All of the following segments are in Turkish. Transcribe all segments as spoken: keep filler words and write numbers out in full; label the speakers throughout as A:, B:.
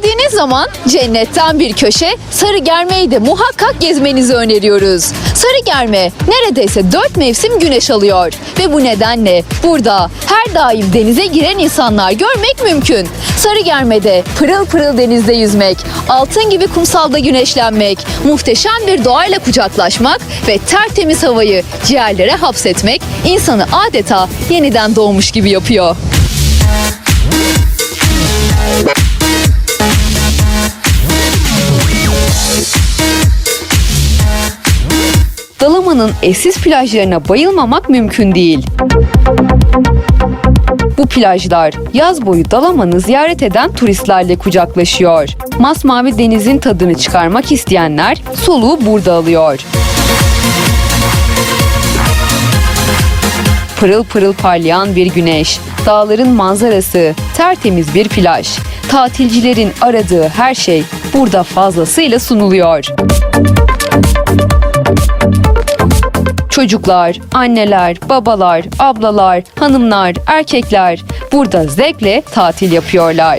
A: geldiğiniz zaman cennetten bir köşe Sarıgerme'yi de muhakkak gezmenizi öneriyoruz. Sarıgerme neredeyse dört mevsim güneş alıyor ve bu nedenle burada her daim denize giren insanlar görmek mümkün. Sarıgerme'de pırıl pırıl denizde yüzmek, altın gibi kumsalda güneşlenmek, muhteşem bir doğayla kucaklaşmak ve tertemiz havayı ciğerlere hapsetmek insanı adeta yeniden doğmuş gibi yapıyor. Dalaman'ın eşsiz plajlarına bayılmamak mümkün değil. Bu plajlar yaz boyu Dalaman'ı ziyaret eden turistlerle kucaklaşıyor. Masmavi denizin tadını çıkarmak isteyenler soluğu burada alıyor. Pırıl pırıl parlayan bir güneş, dağların manzarası, tertemiz bir plaj. Tatilcilerin aradığı her şey burada fazlasıyla sunuluyor. Çocuklar, anneler, babalar, ablalar, hanımlar, erkekler burada zevkle tatil yapıyorlar.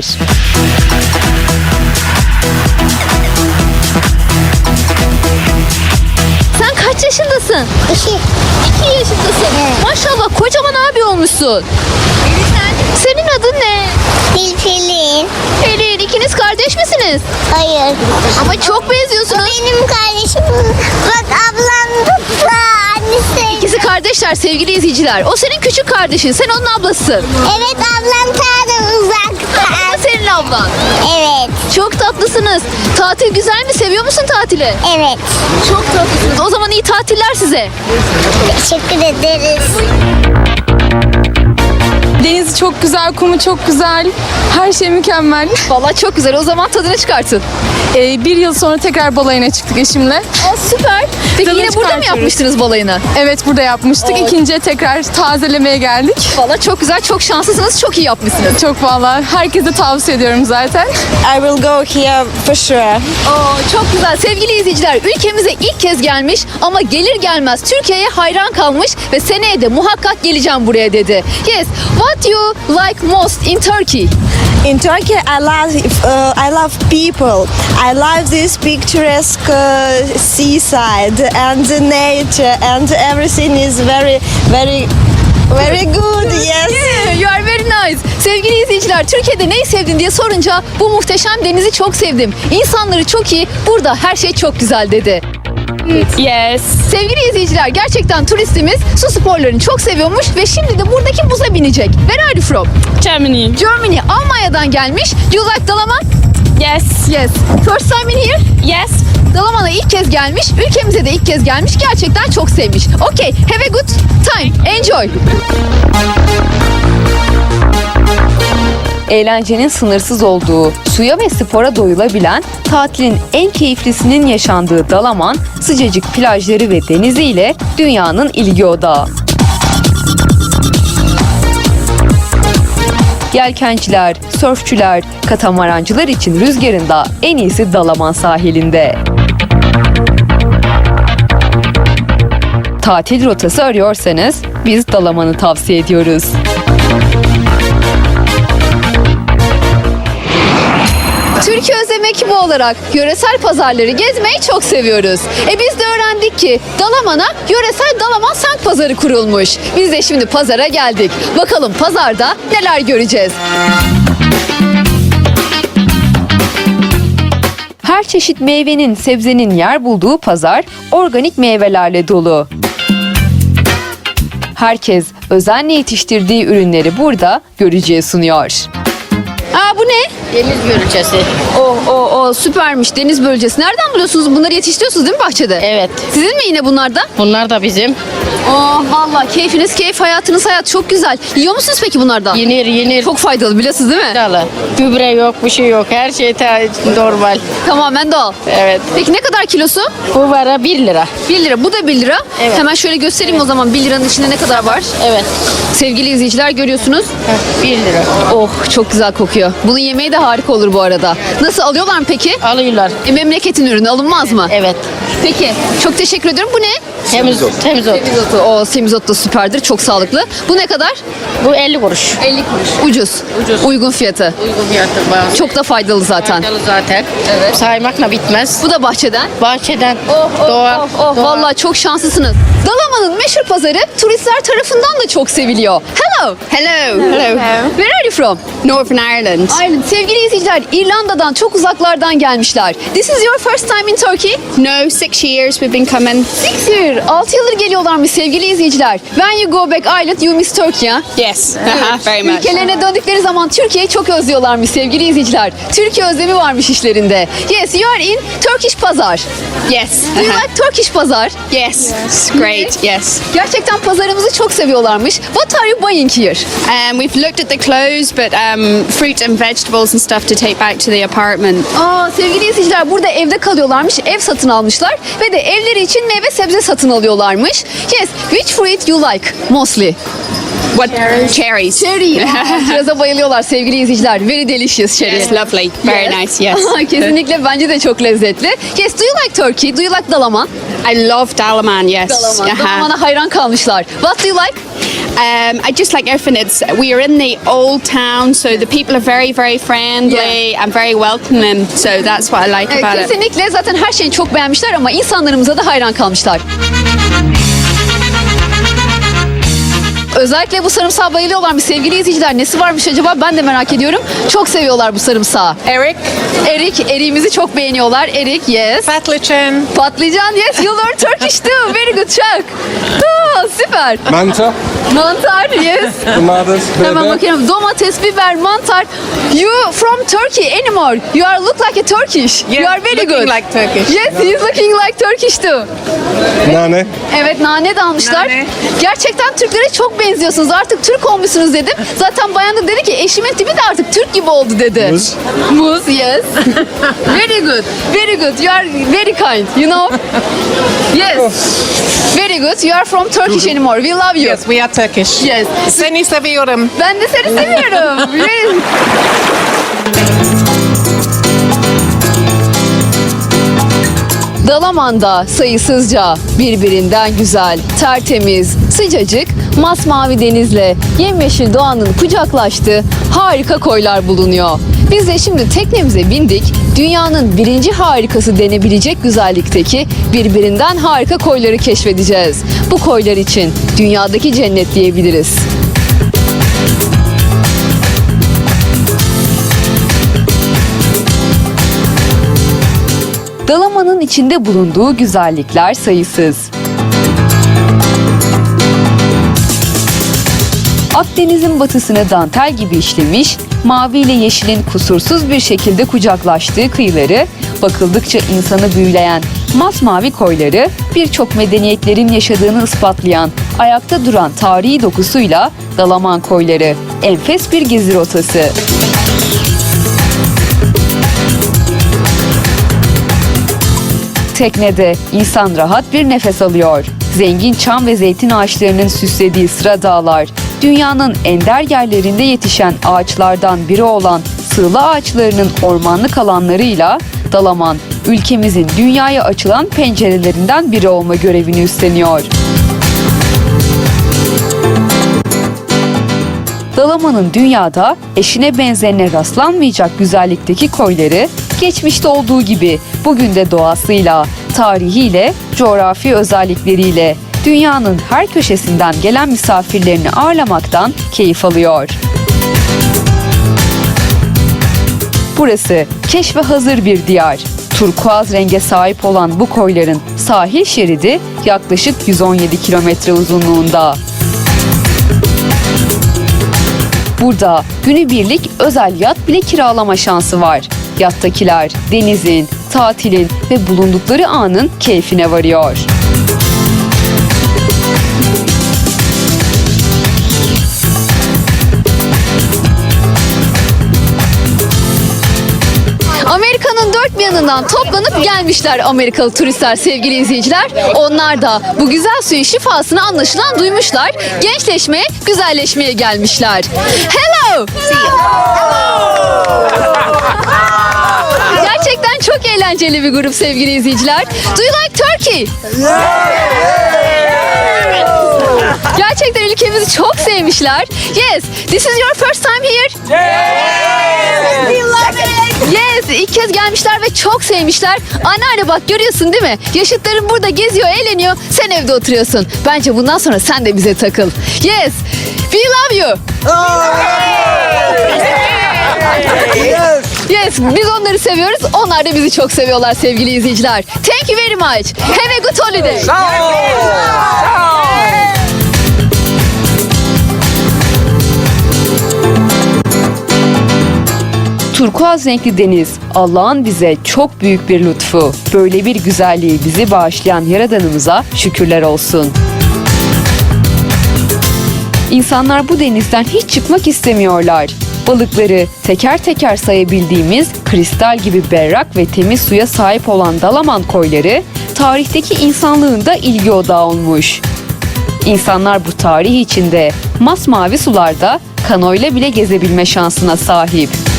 A: Sen kaç yaşındasın?
B: İki.
A: İki yaşındasın.
B: Evet.
A: Maşallah kocaman abi olmuşsun. Senin adın ne?
B: Pelin.
A: Pelin, ikiniz kardeş misiniz?
B: Hayır.
A: Ama çok benziyorsunuz.
B: Benim kardeşim. Bak ablam da annesi.
A: İkisi kardeşler sevgili izleyiciler. O senin küçük kardeşin, sen onun ablasısın.
B: Evet ablam ta da uzakta.
A: O senin ablan.
B: Evet.
A: Çok tatlısınız. Tatil güzel mi? Seviyor musun tatili?
B: Evet.
A: Çok tatlısınız. O zaman iyi tatiller size.
B: Teşekkür ederiz.
C: Denizi çok güzel, kumu çok güzel. Her şey mükemmel.
A: Vallahi çok güzel. O zaman tadını çıkartın.
C: Ee, bir yıl sonra tekrar balayına çıktık eşimle.
A: Aa, süper. Peki
C: Tadını
A: yine burada mı
C: çıkartıyoruz.
A: yapmıştınız balayını?
C: Evet, burada yapmıştık.
A: Oo.
C: İkinciye tekrar tazelemeye geldik.
A: Vallahi çok güzel. Çok şanslısınız. Çok iyi yapmışsınız.
C: Çok vallahi herkese tavsiye ediyorum zaten.
D: I will go here for sure.
A: Oo, çok güzel. Sevgili izleyiciler, ülkemize ilk kez gelmiş ama gelir gelmez Türkiye'ye hayran kalmış ve seneye de muhakkak geleceğim buraya dedi. Yes, what you like most in Turkey?
D: In Turkey, I love uh, I love people. I love this picturesque uh, seaside and the nature and everything is very very very good. Yes.
A: Yeah, you are very nice. Sevgili izleyiciler, Türkiye'de neyi sevdin diye sorunca bu muhteşem denizi çok sevdim. İnsanları çok iyi, burada her şey çok güzel dedi.
C: Yes.
A: Sevgili izleyiciler, gerçekten turistimiz su sporlarını çok seviyormuş ve şimdi de buradaki buza binecek. Where are you from?
C: Germany.
A: Germany, Almanya'dan gelmiş. You like Dalaman?
C: Yes.
A: Yes. First time in here?
C: Yes.
A: Dalaman'a ilk kez gelmiş, ülkemize de ilk kez gelmiş. Gerçekten çok sevmiş. Okay, have a good time. Enjoy. Eğlencenin sınırsız olduğu, suya ve spora doyulabilen, tatilin en keyiflisinin yaşandığı Dalaman, sıcacık plajları ve deniziyle dünyanın ilgi odağı. Yelkenciler, sörfçüler, katamarancılar için rüzgarında en iyisi Dalaman sahilinde. Tatil rotası arıyorsanız biz Dalaman'ı tavsiye ediyoruz. Türkiye Özlem ekibi olarak yöresel pazarları gezmeyi çok seviyoruz. E biz de öğrendik ki Dalaman'a yöresel Dalaman Sank Pazarı kurulmuş. Biz de şimdi pazara geldik. Bakalım pazarda neler göreceğiz. Her çeşit meyvenin, sebzenin yer bulduğu pazar organik meyvelerle dolu. Herkes özenle yetiştirdiği ürünleri burada görücüye sunuyor. Aa, bu ne?
E: Deniz börülcesi.
A: Oh, oh, oh, süpermiş, deniz bölgesi. Nereden buluyorsunuz? Bunları yetiştiriyorsunuz değil mi bahçede?
E: Evet.
A: Sizin mi yine bunlar da?
E: Bunlar da bizim.
A: Oh, vallahi keyfiniz keyif, hayatınız hayat, çok güzel. Yiyor musunuz peki bunlardan?
E: Yenir yenir.
A: Çok faydalı, biliyorsunuz değil mi?
E: Faydalı. Gübre yok, bir şey yok. Her şey ta- normal.
A: Tamamen doğal.
E: Evet.
A: Peki ne kadar kilosu?
E: Bu vara bir lira.
A: bir lira. Bu da bir lira.
E: Evet.
A: Hemen şöyle göstereyim o zaman bir liranın içinde ne kadar var.
E: Evet.
A: Sevgili izleyiciler, görüyorsunuz.
E: Heh, bir lira.
A: Oh, çok güzel kokuyor. Bunun yemeği de harika olur bu arada. Nasıl, alıyorlar mı peki?
E: Alıyorlar.
A: E, memleketin ürünü alınmaz mı?
E: Evet.
A: Peki çok teşekkür ediyorum. Bu ne?
E: Temiz, temiz ot.
A: Semizotu. O semizot da süperdir. Çok sağlıklı. Bu ne kadar?
E: Bu elli kuruş.
A: elli kuruş. Ucuz.
E: Ucuz.
A: Uygun fiyatı.
E: Uygun fiyatı bayağı.
A: Çok da faydalı zaten.
E: Faydalı zaten.
A: Evet.
E: Saymakla bitmez.
A: Bu da bahçeden.
E: Bahçeden.
A: Oh, oh,
E: doğal.
A: oh, oh.
E: doğal.
A: Vallahi çok şanslısınız. Dalaman'ın meşhur pazarı turistler tarafından da çok seviliyor. Hello.
F: Hello.
A: Hello. Where are you from?
F: Northern Ireland.
A: Ireland. Sevgili izleyiciler, İrlanda'dan çok uzaklardan gelmişler. This is your first time in Turkey?
F: No, six years we've been coming.
A: Six year. altı yıldır geliyorlarmış sevgili izleyiciler. When you go back Ireland, you miss Turkey. Ha?
F: Yes, uh-huh, very much.
A: Ülkelerine döndükleri zaman Türkiye'yi çok özlüyorlarmış sevgili izleyiciler. Türkiye özlemi varmış işlerinde. Yes, you are in Turkish Pazar.
F: Yes.
A: Do you
F: uh-huh.
A: like Turkish Pazar?
F: Yes. It's great. Yes.
A: Gerçekten pazarımızı çok seviyorlarmış. What are you buying here?
F: Um, we've looked at the clothes, but um, fruit and vegetables and stuff to take back to the apartment.
A: Aa, sevgili izleyiciler, burada evde kalıyorlarmış. Ev satın almışlar ve de evleri için meyve sebze satın alıyorlarmış. Yes, which fruit you like mostly?
F: What? Cherries.
A: Cherry. Aa, Kiraza bayılıyorlar sevgili izleyiciler. Very delicious cherry.
F: Yes, lovely. Very
A: Yes.
F: nice. Yes.
A: Kesinlikle bence de çok lezzetli. Yes, do you like Turkey? Do you like Dalaman?
F: I love Dalaman. Yes.
A: Dalaman.
F: Uh-huh.
A: Dalaman'a hayran kalmışlar. What do you like?
F: Um, I just like everything. It's we are in the old town, so the people are very, very friendly and very welcoming. So that's what I like
A: Evet,
F: about it.
A: kesinlikle zaten her şeyi çok beğenmişler ama insanlarımıza da hayran kalmışlar. Özellikle bu sarımsağa bayılıyorlarmış sevgili izleyiciler. Nesi varmış acaba, ben de merak ediyorum. Çok seviyorlar bu sarımsağı.
G: Eric,
A: Erik, eriğimizi çok beğeniyorlar. Erik, yes.
G: patlıcan,
A: Patlıcan, yes. You learn Turkish too. Very good, Chuck. Aa, süper.
H: Mantar,
A: Mantar, yes.
H: domates,
A: Hemen
H: biber.
A: bakıyorum. Domates, biber, mantar. You from Turkey anymore? You are look like a Turkish.
G: Yeah,
A: you are very
G: looking
A: good.
G: like Turkish.
A: Yes, he is looking like Turkish too.
H: Nane,
A: Evet, nane de almışlar.
G: Nane.
A: Gerçekten Türklere çok benziyorsunuz. Artık Türk olmuşsunuz dedim. Zaten bayan da dedi ki eşimin tipi de artık Türk gibi oldu dedi.
H: Muz.
A: Muz, yes. Very good. Very good. You are very kind, you know? Yes. Very good. You are from Turkish anymore. We love you.
G: yes, we are Turkish.
A: Yes.
G: Seni seviyorum.
A: Ben de seni seviyorum. Yes. Dalaman'da sayısızca birbirinden güzel, tertemiz, sıcacık, masmavi denizle yemyeşil doğanın kucaklaştığı harika koylar bulunuyor. Biz de şimdi teknemize bindik, dünyanın birinci harikası denebilecek güzellikteki birbirinden harika koyları keşfedeceğiz. Bu koylar için dünyadaki cennet diyebiliriz. Dalaman'ın içinde bulunduğu güzellikler sayısız. Akdeniz'in batısını dantel gibi işlemiş, mavi ile yeşilin kusursuz bir şekilde kucaklaştığı kıyıları, bakıldıkça insanı büyüleyen masmavi koyları, birçok medeniyetlerin yaşadığını ispatlayan, ayakta duran tarihi dokusuyla Dalaman koyları, enfes bir gezi rotası. Teknede insan rahat bir nefes alıyor. Zengin çam ve zeytin ağaçlarının süslediği sıra dağlar, dünyanın ender yerlerinde yetişen ağaçlardan biri olan sığla ağaçlarının ormanlık alanlarıyla Dalaman, ülkemizin dünyaya açılan pencerelerinden biri olma görevini üstleniyor. Dalaman'ın dünyada eşine benzerine rastlanmayacak güzellikteki koyları, geçmişte olduğu gibi bugün de doğasıyla, tarihiyle, coğrafi özellikleriyle dünyanın her köşesinden gelen misafirlerini ağırlamaktan keyif alıyor. Burası keşfe hazır bir diyar. Turkuaz renge sahip olan bu koyların sahil şeridi yaklaşık yüz on yedi kilometre uzunluğunda. Burada günübirlik özel yat bile kiralama şansı var. Yattakiler denizin, tatilin ve bulundukları anın keyfine varıyor. Amerika'nın dört bir yanından toplanıp gelmişler Amerikalı turistler sevgili izleyiciler. Onlar da bu güzel suyun şifasını anlaşılan duymuşlar. Gençleşmeye, güzelleşmeye gelmişler. Hello! Gerçekten çok eğlenceli bir grup sevgili izleyiciler. Do you like Turkey? Gerçekten ülkemizi çok sevmişler. Yes, this is your first time here? Yes, ilk kez gelmişler ve çok sevmişler. Anneanne bak görüyorsun değil mi? Yaşıtların burada geziyor, eğleniyor. Sen evde oturuyorsun. Bence bundan sonra sen de bize takıl. Yes, we love you. Yes, biz onları seviyoruz. Onlar da bizi çok seviyorlar sevgili izleyiciler. Thank you very much. Have a good holiday. Turkuaz renkli deniz, Allah'ın bize çok büyük bir lütfu. Böyle bir güzelliği bizi bağışlayan Yaradanımıza şükürler olsun. İnsanlar bu denizden hiç çıkmak istemiyorlar. Balıkları teker teker sayabildiğimiz kristal gibi berrak ve temiz suya sahip olan Dalaman koyları, tarihteki insanlığın da ilgi odağı olmuş. İnsanlar bu tarih içinde masmavi sularda kanoyla bile gezebilme şansına sahip.